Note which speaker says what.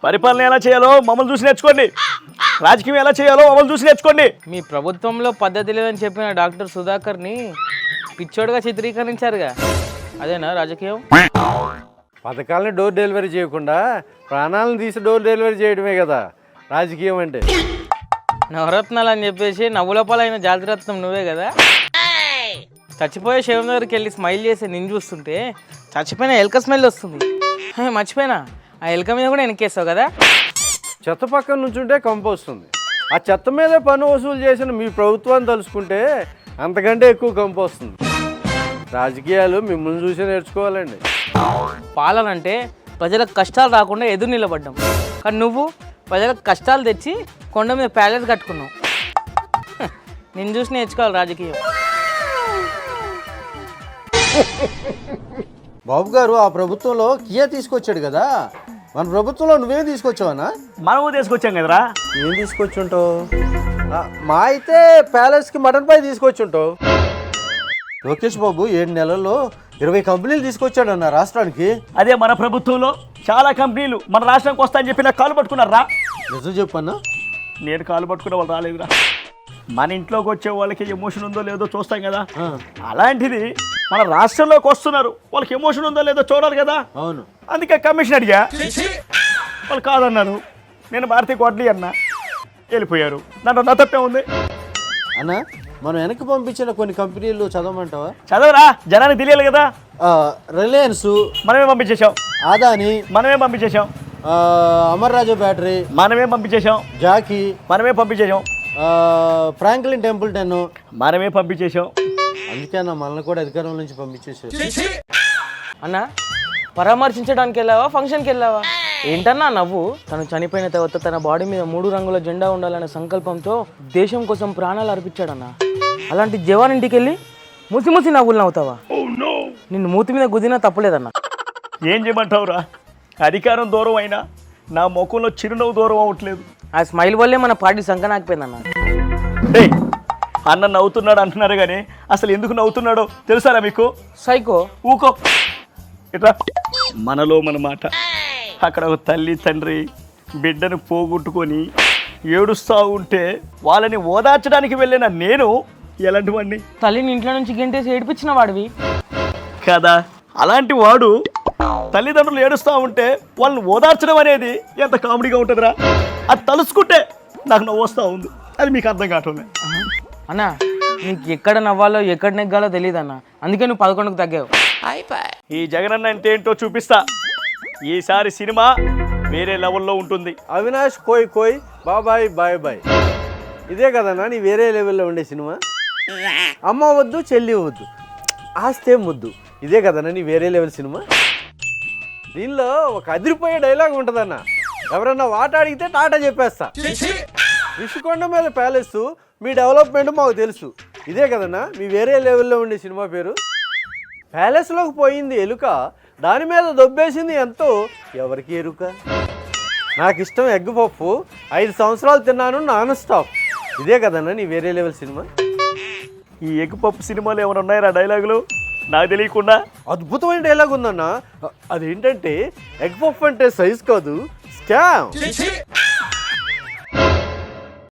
Speaker 1: పరిపాలన ఎలా చేయాలో మమ్మల్ని చూసి నేర్చుకోండి, రాజకీయం ఎలా చేయాలో మమ్మల్ని చూసి నేర్చుకోండి.
Speaker 2: మీ ప్రభుత్వంలో పద్ధతి లేదని చెప్పిన డాక్టర్ సుధాకర్ని పిచ్చోడుగా చిత్రీకరించారుగా, అదేనా రాజకీయం?
Speaker 3: పథకాలని డోర్ డెలివరీ చేయకుండా ప్రాణాలను తీసి డోర్ డెలివరీ చేయడమే కదా రాజకీయం అంటే.
Speaker 2: నవరత్నాలు అని చెప్పేసి నవ్వులపాలైన జాతిరత్నం నువ్వే కదా. చచ్చిపోయే శవం దగ్గరికి వెళ్ళి స్మైల్ చేసి నిన్ను చూస్తుంటే చచ్చిపోయిన ఎలక స్మెల్ వస్తుంది. మర్చిపోయినా, ఆ ఎలక మీద కూడా వెనకేస్తావు కదా.
Speaker 3: చెత్త పక్కన నుంచుంటే కంపు వస్తుంది. ఆ చెత్త మీదే పన్ను వసూలు చేసిన మీ ప్రభుత్వాన్ని తలుచుకుంటే అంతకంటే ఎక్కువ కంపు వస్తుంది. రాజకీయాలు మిమ్మల్ని చూసి నేర్చుకోవాలండి.
Speaker 2: పాలన అంటే ప్రజలకు కష్టాలు రాకుండా ఎదురు నిలబడ్డాం, కానీ నువ్వు ప్రజలకు కష్టాలు తెచ్చి కొండ మీద ప్యాలెస్ కట్టుకున్నావు. నిన్ను చూసి నేర్చుకోవాలి రాజకీయం.
Speaker 3: బాబు గారు ఆ ప్రభుత్వంలో కియా తీసుకొచ్చాడు కదా, మన ప్రభుత్వంలో నువ్వేం తీసుకొచ్చావనా?
Speaker 1: మనము తీసుకొచ్చాం కదరా.
Speaker 3: ఏం తీసుకొచ్చుంటావు? మా అయితే ప్యాలెస్కి మటన్ పై తీసుకొచ్చుంటావు. లోకేష్ బాబు 7 నెలల్లో 20 కంపెనీలు తీసుకొచ్చాడన్న రాష్ట్రానికి.
Speaker 1: అదే మన ప్రభుత్వంలో చాలా కంపెనీలు మన రాష్ట్రానికి వస్తాయని చెప్పి నాకు కాలు పట్టుకున్నారా?
Speaker 3: నిజం చెప్పన్నా?
Speaker 1: నేను కాలు పట్టుకున్న వాళ్ళు రాలేదురా. మన ఇంట్లోకి వచ్చే వాళ్ళకి ఎమోషన్ ఉందో లేదో చూస్తాం కదా, అలాంటిది మన రాష్ట్రంలోకి వస్తున్నారు, వాళ్ళకి ఎమోషన్ ఉందో లేదో చూడాలి కదా.
Speaker 3: అవును,
Speaker 1: అందుకే కమిషన్ అడిగా, వాళ్ళు కాదన్నారు. నేను భారతీయ కోట్లీ అన్నా, వెళ్ళిపోయారు. దాంట్లో నా తప్పే ఉంది
Speaker 3: అన్న. మనం వెనక్కి పంపించిన కొన్ని కంపెనీలు చదవమంటావా?
Speaker 1: చదవరా, జనానికి తెలియాలి కదా.
Speaker 3: రిలయన్స్
Speaker 1: మనమే పంపించేశాం,
Speaker 3: ఆదాని
Speaker 1: మనమే పంపించేశాం,
Speaker 3: అమర్ రాజా బ్యాటరీ
Speaker 1: మనమే పంపించేశాం,
Speaker 3: జాకీ
Speaker 1: మనమే పంపించేశాం,
Speaker 3: ఫ్రాంక్లిన్ టెంపుల్టన్
Speaker 1: మనమే పంపించేశాం.
Speaker 3: అందుకే అన్న మనల్ని కూడా అధికారం నుంచి పంపించేసారు.
Speaker 2: అన్న, పరామర్శించడానికి వెళ్ళావా, ఫంక్షన్కి వెళ్ళావా? ఏంటన్నా నవ్వు? తను చనిపోయిన తర్వాత తన బాడీ మీద 3 రంగుల జెండా ఉండాలనే సంకల్పంతో దేశం కోసం ప్రాణాలు అర్పించాడన్న. అలాంటి జవాన్ ఇంటికి వెళ్ళి ముసి నవ్వులు నవ్వుతావా? నిన్ను మూతి మీద గుద్దినా తప్పలేదన్న.
Speaker 1: ఏం చేయమంటావురా, అధికారం దూరం అయినా నా ముఖంలో చిరునవ్వు దూరం అవ్వట్లేదు.
Speaker 2: ఆ స్మైల్ వల్లే మన పార్టీ సంకనాకపోయిందన్న.
Speaker 1: అన్న నవ్వుతున్నాడు అంటున్నారు కానీ అసలు ఎందుకు నవ్వుతున్నాడో తెలుసారా మీకు?
Speaker 2: సైకో.
Speaker 1: ఊకో ఇట్లా. మనలో మన మాట. అక్కడ ఒక తల్లి తండ్రి బిడ్డను పోగొట్టుకొని ఏడుస్తూ ఉంటే వాళ్ళని ఓదార్చడానికి వెళ్ళిన నేను ఎలాంటి వాడిని?
Speaker 2: తల్లిని ఇంట్లో నుంచి గెంటేసి ఏడిపించిన వాడివి
Speaker 1: కదా. అలాంటి వాడు తల్లిదండ్రులు ఏడుస్తూ ఉంటే వాళ్ళని ఓదార్చడం అనేది ఎంత కామెడీగా ఉంటుందిరా. అది తలుసుకుంటే నాకు నవ్వు వస్తూ ఉంది. అది మీకు అర్థం కావట్లేదు
Speaker 2: అన్న. నీకు ఎక్కడ నవ్వాలో ఎక్కడ నెగ్గాలో తెలియదు అన్న, అందుకే నువ్వు 11కు తగ్గావు.
Speaker 1: ఈ జగనన్న అంటే ఏంటో చూపిస్తా. ఈసారి సినిమా వేరే లెవెల్లో ఉంటుంది.
Speaker 3: అవినాష్ కోయ్ కోయ్ బాబాయ్ బాయ్ బాయ్, ఇదే కదన్నా నీ వేరే లెవెల్లో ఉండే సినిమా. అమ్మ వద్దు చెల్లి వద్దు ఆస్తే ముద్దు, ఇదే కదన్నా నీ వేరే లెవెల్ సినిమా. దీనిలో ఒక అదిరిపోయే డైలాగ్ ఉంటుందన్న, ఎవరన్నా వాట అడిగితే టాటా చెప్పేస్తా. రిషికొండ మీద ప్యాలెస్, మీ డెవలప్మెంట్ మాకు తెలుసు, ఇదే కదన్నా మీ వేరే లెవెల్లో ఉండే సినిమా పేరు. ప్యాలెస్లోకి పోయింది ఎలుక, దాని మీద దొబ్బేసింది ఎంతో ఎవరికి ఎరుక. నాకు ఇష్టం ఎగ్ పప్పు, 5 సంవత్సరాలు తిన్నాను నాన్ స్టాప్, ఇదే కదన్నా నీ వేరే లెవెల్ సినిమా.
Speaker 1: ఈ ఎగ్ పప్పు సినిమాలు ఏమైనా ఉన్నాయా డైలాగులు నాకు తెలియకుండా?
Speaker 3: అద్భుతమైన డైలాగ్ ఉందన్న. అదేంటంటే ఎగ్ పఫ్ అంటే సైజ్ కాదు, స్కామ్.